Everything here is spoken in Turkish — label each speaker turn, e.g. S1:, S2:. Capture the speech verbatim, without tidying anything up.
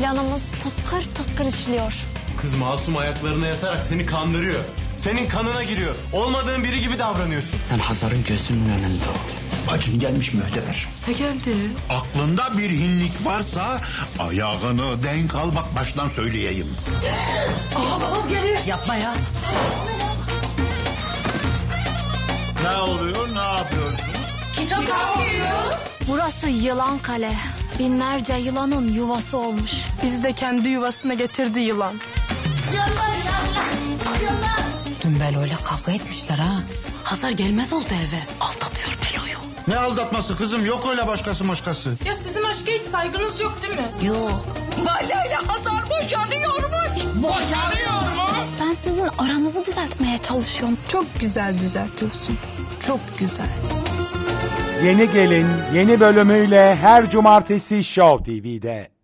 S1: Planımız tıkır tıkır işliyor.
S2: Kız masum ayaklarına yatarak seni kandırıyor. Senin kanına giriyor. Olmadığın biri gibi davranıyorsun.
S3: Sen Hazar'ın gözünün önünde ol.
S4: Bacın gelmiş mühteber.
S5: Ne geldi?
S4: Aklında bir hinlik varsa ayağını denk al, bak baştan söyleyeyim.
S5: Yapma ya.
S6: Ne oluyor, ne yapıyorsun?
S1: Burası Yılan Kale. Binlerce yılanın yuvası olmuş.
S7: Bizi de kendi yuvasına getirdi yılan.
S5: Dün Belo'yla kavga etmişler ha. Hazar gelmez oldu eve. Aldatıyor Belo'yu.
S4: Ne aldatması kızım, yok öyle başkası başkası.
S7: Ya sizin aşka hiç saygınız yok değil mi?
S5: Yok. Lale Hazar boşanıyormuş.
S6: Boşanıyor mu?
S1: Ben sizin aranızı düzeltmeye çalışıyorum.
S8: Çok güzel düzeltiyorsun. Çok güzel.
S9: Yeni Gelin yeni bölümüyle her cumartesi Show T V'de.